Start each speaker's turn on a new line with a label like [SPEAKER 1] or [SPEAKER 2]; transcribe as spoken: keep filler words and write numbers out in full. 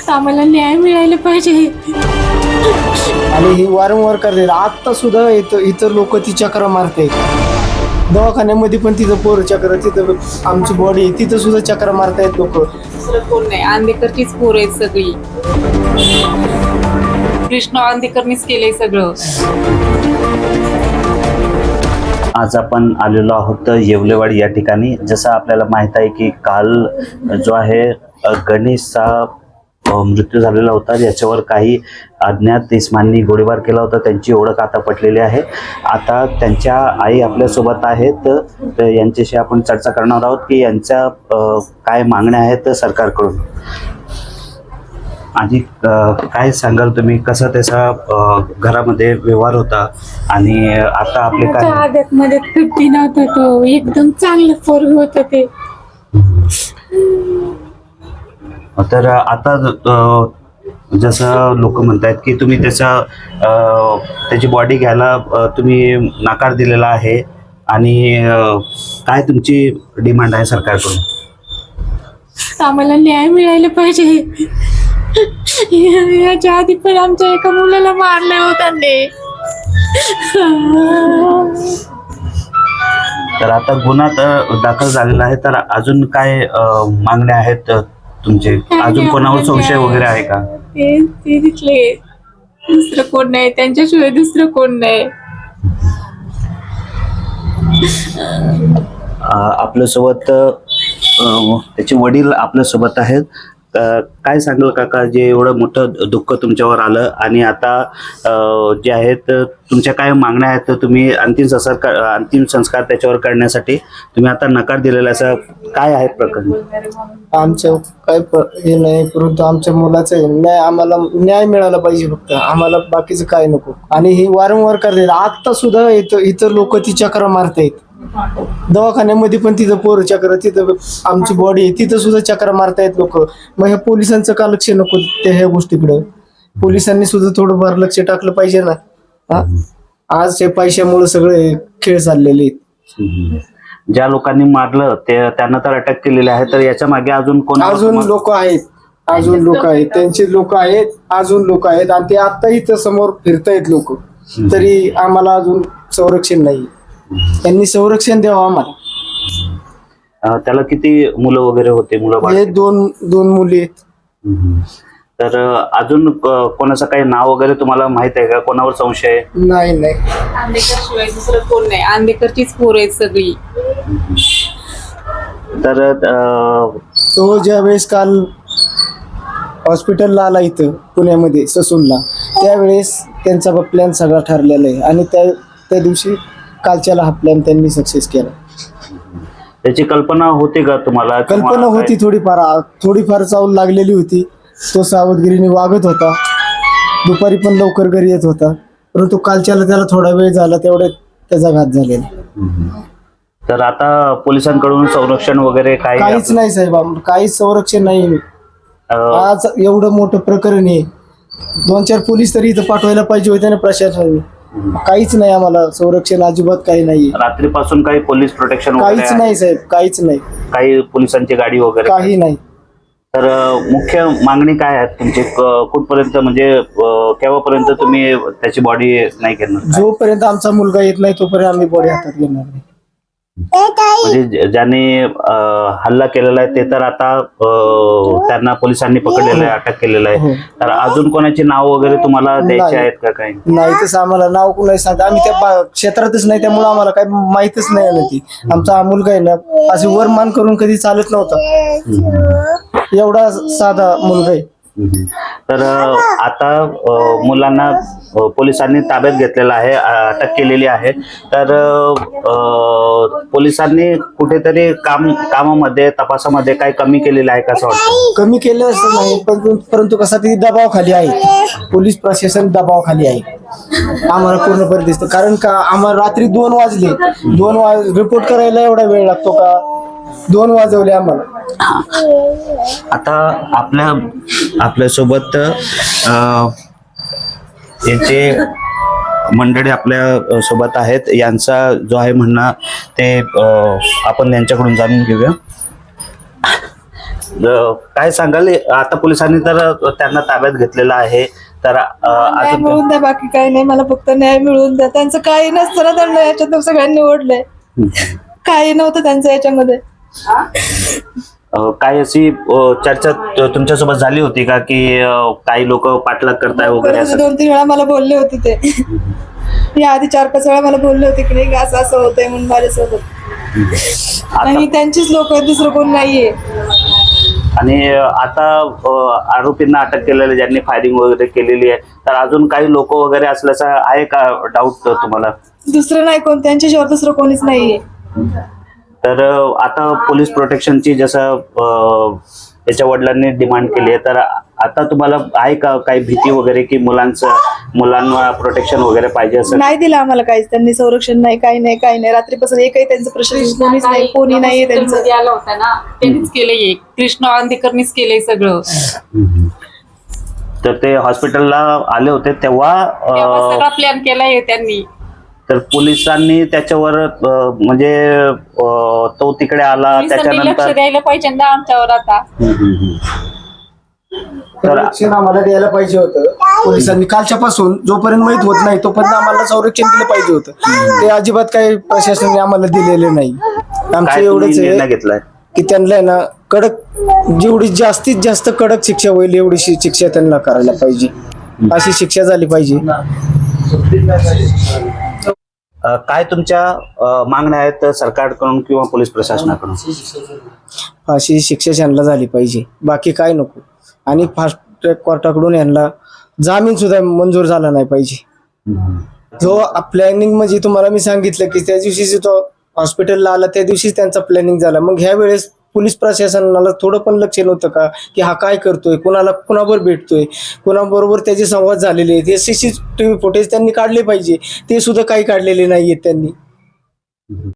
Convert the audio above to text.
[SPEAKER 1] आम्हाला न्याय मिळायला पाहिजे.
[SPEAKER 2] आणि ही वारंवार करते. आता सुद्धा इथं इतर लोक ती चक्र मारते. दवाखान्यामध्ये पण तिथं पोर चक्र, तिथं आमची बॉडी तिथं सुद्धा चक्र मारतायत लोक.
[SPEAKER 1] दुसरं कोण नाही, आंदेकरचीच पोर आहेत सगळी. कृष्ण आंदेकरनीच केलंय सगळं.
[SPEAKER 3] आज आपण आलेलो आहोत येवलेवाडी या ठिकाणी. जसं आपल्याला माहित आहे की काल जो आहे गणेशचा मृत्यू झालेला होता, याच्यावर काही अज्ञात इस्मांनी गोळीबार केला होता. त्यांची ओळख आता पटलेली आहे. आता त्यांच्या आई आपल्यासोबत आहेत, तर यांच्याशी आपण चर्चा करणार आहोत की यांच्या काय मागण्या आहेत सरकारकडून. आधी काय सांगाल तुम्ही, कसा त्याचा घरामध्ये व्यवहार होता आणि आता आपले काय?
[SPEAKER 1] आदत मध्ये फिफ्टी नव्हता तो, एकदम चांगलं पोरग होतं ते.
[SPEAKER 3] तर आता जसं लोक म्हणतात की तुम्ही त्याचा त्याची बॉडी घ्यायला तुम्ही नकार दिलेला आहे, आणि काय तुमची डिमांड आहे सरकारकडून?
[SPEAKER 1] आम्हाला न्याय मिळायला पाहिजे. याच्या आधी पण आमच्या एका मुलाला मारलं होतं ते.
[SPEAKER 3] तर आता गुन्हा तर दाखल झालेला आहे, तर अजून काय मागण्या आहेत तुमचे? अजून कोणावर संशय वगैरे आहे का?
[SPEAKER 1] ते ते तिथले दुसरं कोण नाही, त्यांच्याशिवाय दुसरं कोण नाही.
[SPEAKER 3] आपल्यासोबत त्याचे वडील आपल्यासोबत आहेत. काय सांगाल काका, जे एवढं मोठं दुःख तुमच्यावर आलं आणि आता जे आहेत तुमच्या काय मागण्या आहेत? तुम्ही अंतिम संस्कार अंतिम संस्कार त्याच्यावर करण्यासाठी तुम्ही आता नकार दिलेला, असं काय आहे प्रकरण?
[SPEAKER 2] आमचं काय हे नाही, परंतु आमच्या मुलाचं न्याय, आम्हाला न्याय मिळाला पाहिजे फक्त. आम्हाला बाकीचं काय नको. आणि ही वारंवार करते. आता सुद्धा इथं इतर लोक ती चक्र मारतायत. दवाखान्यामध्ये पण तिथं पोर चक्र, तिथं आमची बॉडी तिथं सुद्धा चक्र मारतायत लोक. मग ह्या पोलिसांचं का लक्ष नको त्या ह्या गोष्टीकडं? पोलिसांनी सुद्धा थोडंफार लक्ष टाकलं पाहिजे ना. हा, आज हे पैशामुळे सगळे खेळ चाललेले आहेत.
[SPEAKER 3] ज्या लोकांनी मारलं ते त्यांना तर अटक केलेली आहे, तर याच्या मागे अजून कोण?
[SPEAKER 2] अजून लोक आहेत, अजून लोक आहेत, त्यांचे लोक आहेत, अजून लोक आहेत. आणि ते आता इथं समोर फिरतायत लोक, तरी आम्हाला अजून संरक्षण नाही. त्यांनी संरक्षण द्यावं आम्हाला.
[SPEAKER 3] त्याला किती मुलं वगैरे होते? मुलं
[SPEAKER 2] हे दोन दोन मुली आहेत.
[SPEAKER 3] तर अजून कोणाचं काही नाव वगैरे तुम्हाला माहित आहे का? कोणावर संशय आहे?
[SPEAKER 2] नाही नाही,
[SPEAKER 1] आंदेकर शिवाय दुसरं कोण नाही, आंदेकरचीच पोर आहेत सगळी.
[SPEAKER 3] तर
[SPEAKER 2] तो ज्या वेळेस काल हॉस्पिटलला आला इथं पुण्यामध्ये ससूनला, त्यावेळेस त्यांचा प्लॅन सगळा ठरलेला आहे. आणि त्या त्या दिवशी कालच्याला हा प्लॅन त्यांनी सक्सेस केला.
[SPEAKER 3] त्याची कल्पना होती का तुम्हाला?
[SPEAKER 2] कल्पना होती, थोडीफार थोडीफार चावल लागलेली होती. तो सावधगिरीने वागत होता, दुपारी पण लवकर घरी येत होता. परंतु कालच्याला त्याला थोडा वेळ झाला, तेवढ्यात त्याचा घात झालेला.
[SPEAKER 3] तर आता पोलिसांकडून संरक्षण वगैरे काय?
[SPEAKER 2] काहीच नाही साहेब, काहीच संरक्षण नाही. आज एवढं मोठं प्रकरण आहे, दोन चार पोलीस तरी इथं पाठवायला पाहिजे होते ना प्रशासनाने. काहीच नाही, आम्हाला संरक्षण अजिबात काही नाही.
[SPEAKER 3] रात्रीपासून काही पोलीस प्रोटेक्शन
[SPEAKER 2] काहीच नाही साहेब, काहीच नाही.
[SPEAKER 3] काही पोलिसांची गाडी वगैरे
[SPEAKER 2] काही नाही.
[SPEAKER 3] तर मुख्य मागणी काय आहे तुमची? कुठपर्यंत, म्हणजे केव्हापर्यंत तुम्ही त्याची बॉडी नाही घेणार?
[SPEAKER 2] जोपर्यंत आमचा मुलगा येत नाही तोपर्यंत आम्ही बॉडी हातात घेणार नाही.
[SPEAKER 3] म्हणजे ज्याने हल्ला केलेला आहे ते तर आता त्यांना पोलिसांनी पकडलेलं आहे, अटक केलेलं आहे. तर अजून कोणाची नाव वगैरे तुम्हाला द्यायची आहेत का? काही
[SPEAKER 2] नाही, तसं आम्हाला नाव कोणी सांगत. आम्ही त्या क्षेत्रातच नाही, त्यामुळे आम्हाला काही माहितच नाही ना. ती आमचा हा मुलगा आहे ना, असे वरमान करून कधी चालत नव्हता. एवढा साधा मुलगा आहे.
[SPEAKER 3] तर आता मुलांना पोलिसांनी ताब्यात घेतलेला आहे, अटक केलेली आहे. तर पोलिसांनी कुठेतरी काम कामामध्ये तपासामध्ये काही कमी केलेलं आहे का असं वाटतं?
[SPEAKER 2] कमी केलं असं नाही, परंतु परंतु कसा ती दबावाखाली आहे. पोलीस प्रशासन दबावाखाली आहे, आम्हाला पूर्णपणे दिसतं. कारण का आम्हाला रात्री दोन वाजले, दोन वाज रिपोर्ट करायला एवढा वेळ लागतो का? दोन वाजवले आम्हाला.
[SPEAKER 3] आता आपल्या आपल्यासोबत याचे मंडळी आपल्या सोबत आहेत. यांचा जो आहे म्हणणं ते आपण यांच्याकडून जाणून घेऊया. अ, काय सांगाल आता पोलिसांनी तर त्यांना ताब्यात घेतलेलं आहे तर अ,
[SPEAKER 4] न्याय
[SPEAKER 3] अजून
[SPEAKER 4] मिळवून द्या, बाकी काही नाही. मला फक्त न्याय मिळवून द्या. त्यांचं काही नसताना त्यांना याच्यात सगळ्यांनी ओढलंय. काही नव्हतं त्यांचं याच्यामध्ये.
[SPEAKER 3] अ, काय अशी अ, चर्चा त- तुमच्यासोबत झाली होती का की अ, काही लोक पाठलाग करताय वगैरे
[SPEAKER 4] परत
[SPEAKER 3] असं?
[SPEAKER 4] दोन तीन वेळा मला बोलले होते ते. या आधी चार पाच वेळा मला बोलले होते की नाही असं असं होतंय म्हणून माझ्यासोबत.
[SPEAKER 3] आता
[SPEAKER 4] आणि त्यांचीच लोक आहेत, दुसरं कोण नाहीये.
[SPEAKER 3] आणि आता अ, आरोपींना अटक केलेले ज्यांनी फायरिंग वगैरे केलेली आहे तर अजून काही लोक वगैरे असल्याचा आहे का डाऊट तुम्हाला?
[SPEAKER 4] दुसरं नाही कोण, त्यांच्याशिवाय दुसरं कोणीच नाहीये.
[SPEAKER 3] तर अ, आता पोलीस प्रोटेक्शनची जसं अ, त्याच्या वडिलांनी डिमांड केली आहे तर आता तुम्हाला आहे का काही भीती वगैरे की मुलांचं मुलांना प्रोटेक्शन वगैरे पाहिजे असं?
[SPEAKER 4] नाही दिलं आम्हाला काहीच. त्यांनी संरक्षण नाही, काही नाही, काही नाही. रात्रीपासून एकही त्यांचं प्रशासन कोणीच नाही, कोणी नाहीये त्यांचं.
[SPEAKER 1] मध्ये आला होता ना, त्यांनीच केलंय. कृष्ण आंदेकरनीच केलंय सगळं.
[SPEAKER 3] तर ते हॉस्पिटलला आले होते तेव्हा
[SPEAKER 1] तेव्हा
[SPEAKER 3] अ,
[SPEAKER 1] सगळा प्लॅन केलाय त्यांनी.
[SPEAKER 3] तर पोलिसांनी त्याच्यावर अ, म्हणजे अ, तो तिकडे आला
[SPEAKER 1] पोलिसांनी लक्ष
[SPEAKER 3] त्याच्यानंतर
[SPEAKER 1] द्यायला पाहिजे ना आमच्यावर आता.
[SPEAKER 3] हम्म, हम्म, हम्म.
[SPEAKER 2] संरक्षण आम्हाला द्यायला पाहिजे होतं पोलिसांनी. कालच्या पासून जोपर्यंत माहित होत नाही तोपर्यंत आम्हाला संरक्षण दिलं पाहिजे होतं. ते अजिबात काही प्रशासनाने आम्हाला दिलेले नाही. आमचं
[SPEAKER 3] काय तुम्ही
[SPEAKER 2] एवढंच
[SPEAKER 3] निर्णय
[SPEAKER 2] आहे
[SPEAKER 3] घेतलाय?
[SPEAKER 2] की त्यांना आहे ना कडक, जेवढी जास्तीत जास्त कडक शिक्षा होईल एवढी शि- शिक्षा त्यांना करायला पाहिजे. अशी शिक्षा झाली पाहिजे.
[SPEAKER 3] अ, काय तुमच्या अ, मागण्या आहेत सरकारकडून किंवा पोलीस प्रशासनाकडून?
[SPEAKER 2] अशी शिक्षा त्यांना झाली पाहिजे, बाकी काय नको. आणि फास्ट ट्रॅक कोर्टाकडून यांना जामीन सुद्धा मंजूर झाला नाही पाहिजे. जो प्लॅनिंग म्हणजे तुम्हाला मी सांगितलं की त्या दिवशी तो हॉस्पिटलला आला त्या दिवशीच त्यांचा प्लॅनिंग झाला. मग ह्या वेळेस पोलीस प्रशासनाला थोडं पण लक्ष नव्हतं का की हा काय करतोय, कुणाला कुणाबरोबर भेटतोय, कुणाबरोबर त्याचे संवाद झालेले आहेत, हे सीसीटीव्ही फुटेज त्यांनी काढले पाहिजे. ते सुद्धा काही काढलेले नाहीयेत त्यांनी.